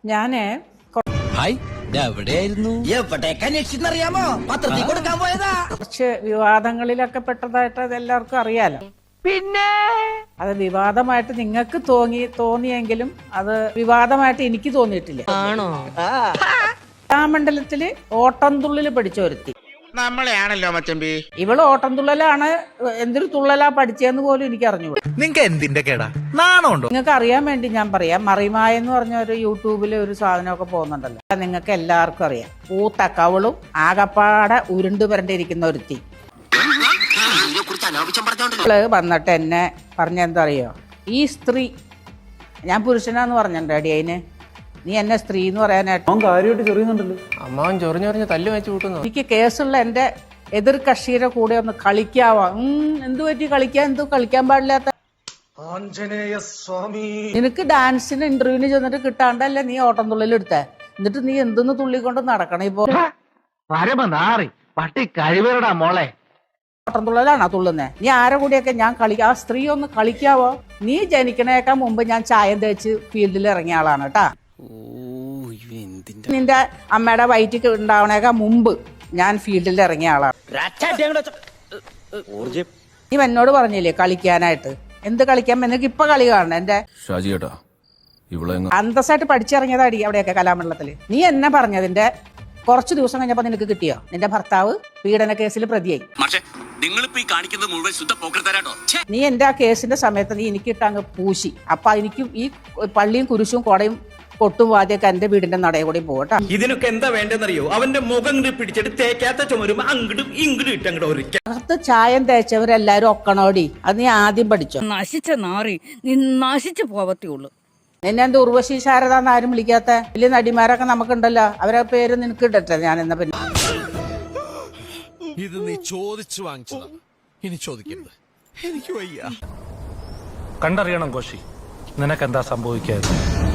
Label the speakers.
Speaker 1: ഞാന്
Speaker 2: എവിടേക്കറിയാമോ പത്രത്തിൽ കൊടുക്കാൻ പോയതാ.
Speaker 1: കുറച്ച് വിവാദങ്ങളിലൊക്കെ പെട്ടതായിട്ട് അത് എല്ലാവർക്കും അറിയാലോ. പിന്നെ അത് വിവാദമായിട്ട് നിങ്ങൾക്ക് തോന്നിയെങ്കിലും അത് വിവാദമായിട്ട് എനിക്ക് തോന്നിയിട്ടില്ല.
Speaker 3: ആണോ?
Speaker 1: കലാമണ്ഡലത്തില് ഓട്ടംതുള്ളിൽ പഠിച്ച ഒരുത്തി
Speaker 4: നമ്മളെയാണല്ലോ മച്ചമ്പി.
Speaker 1: ഇവള് ഓട്ടംതുള്ളലാണ്. എന്തൊരു തുള്ളലാ പഠിച്ചതെന്ന് പോലും എനിക്ക് അറിഞ്ഞുകൂടാ.
Speaker 5: നിങ്ങക്ക് എന്തിന്റെ കേടാ? നാണമുണ്ടോ?
Speaker 1: നിങ്ങൾക്ക് അറിയാൻ വേണ്ടി ഞാൻ പറയാം. മറിമായ എന്ന് പറഞ്ഞ ഒരു യൂട്യൂബിൽ ഒരു സാധനമൊക്കെ പോകുന്നുണ്ടല്ലോ, നിങ്ങൾക്ക് എല്ലാവർക്കും അറിയാം. പൂത്ത കവളും ആകപ്പാടെ ഉരുണ്ടു വരണ്ടിരിക്കുന്ന ഒരുത്തി വന്നിട്ട് എന്നെ പറഞ്ഞെന്താ അറിയോ, ഈ സ്ത്രീ, ഞാൻ പുരുഷനാന്ന് പറഞ്ഞിട്ടുണ്ട് അടി അതിന്, നീ എന്നെ സ്ത്രീ എന്ന് പറയാനായിട്ട്
Speaker 3: അമ്മാവൻ ചൊറിഞ്ഞൊറിഞ്ഞ് തല്ലു വെച്ച് കൂട്ടുന്നു.
Speaker 1: എനിക്ക് കേസുള്ള എന്റെ എതിർ കക്ഷിയുടെ കൂടെ ഒന്ന് കളിക്കാവാ. എന്തു പറ്റി കളിക്കാൻ? എന്തു കളിക്കാൻ പാടില്ലാത്ത? നിനക്ക് ഡാൻസിന് ഇന്റർവ്യൂവിന് ചെന്നിട്ട് കിട്ടാണ്ടല്ലേ നീ ഓട്ടംതുള്ളിൽ എടുത്തേ. എന്നിട്ട് നീ എന്തെന്ന് തുള്ളിക്കൊണ്ട് നടക്കണം ഇപ്പൊ?
Speaker 5: പട്ടി കഴിവരടാ മോളെ.
Speaker 1: ഓട്ടംതുള്ളലാണോ തുള്ളുന്നേ? നീ ആരെ കൂടിയൊക്കെ ഞാൻ ആ സ്ത്രീ ഒന്ന് കളിക്കാവോ? നീ ജനിക്കണേക്കാൾ മുമ്പ് ഞാൻ ചായം തേച്ച് ഫീൽഡിൽ ഇറങ്ങിയ ആളാണ് കേട്ടാ. നിന്റെ അമ്മയുടെ വയറ്റിൽ ഉണ്ടാവണേക്കാൾ മുമ്പ് ഞാൻ ഫീൽഡിൽ ഇറങ്ങിയ ആളാണ്. നീ എന്നോട് പറഞ്ഞില്ലേ കളിക്കാനായിട്ട്? എന്ത് കളിക്കാൻ? നിനക്ക് ഇപ്പൊ കളി കാണണം. എന്റെ അന്തസ്സായിട്ട് പഠിച്ചിറങ്ങിയതാടി അവിടെയൊക്കെ കലാമണ്ഡലത്തില്. നീ എന്നെ പറഞ്ഞതിന്റെ കുറച്ചു ദിവസം കഴിഞ്ഞപ്പോ നിനക്ക് കിട്ടിയോ? നിന്റെ ഭർത്താവ് പീഡന കേസിൽ പ്രതിയായി. നീ എന്റെ ആ കേസിന്റെ സമയത്ത് നീ എനിക്കിട്ട് അങ്ങ് പൂശി. അപ്പൊ എനിക്ക് ഈ പള്ളിയും കുരിശും കൊടയും കൊട്ടും വാദ്യൊക്കെ എന്റെ വീടിന്റെ നടയെ കൂടി പോകട്ടെ.
Speaker 6: ഇതിനൊക്കെ എന്താ വേണ്ടെന്നറിയോ? അവന്റെ മുഖം പിടിച്ചിട്ട് തേക്കാത്ത ചുമരും അങ്ങോട്ടും ഇങ്ങോട്ടും ഇട്ടങ്ങോട്ട്
Speaker 1: അകത്ത് ചായം തേച്ചവരെല്ലാരും ഒക്കണോടി. അത് നീ ആദ്യം പഠിച്ചോ.
Speaker 7: നശിച്ച നാറി, നീ നശിച്ചു പോവത്തേയുള്ളൂ.
Speaker 1: നിന്നെ എന്താ ഉർവശി ശാരദാന്ന് ആരും വിളിക്കാത്ത? വലിയ നടിമാരൊക്കെ നമുക്കുണ്ടല്ലോ, അവരെ പേര് നിനക്ക് ഇടട്ടെ ഞാൻ എന്നാ. പിന്നെ
Speaker 8: ഇത് നീ ചോദിച്ചു വാങ്ങിച്ചതാ, ഇനി ചോദിക്കരുത്. എനിക്ക് വയ്യ.
Speaker 9: കണ്ടറിയണം കോശി, നിനക്കെന്താ സംഭവിക്കാതെ.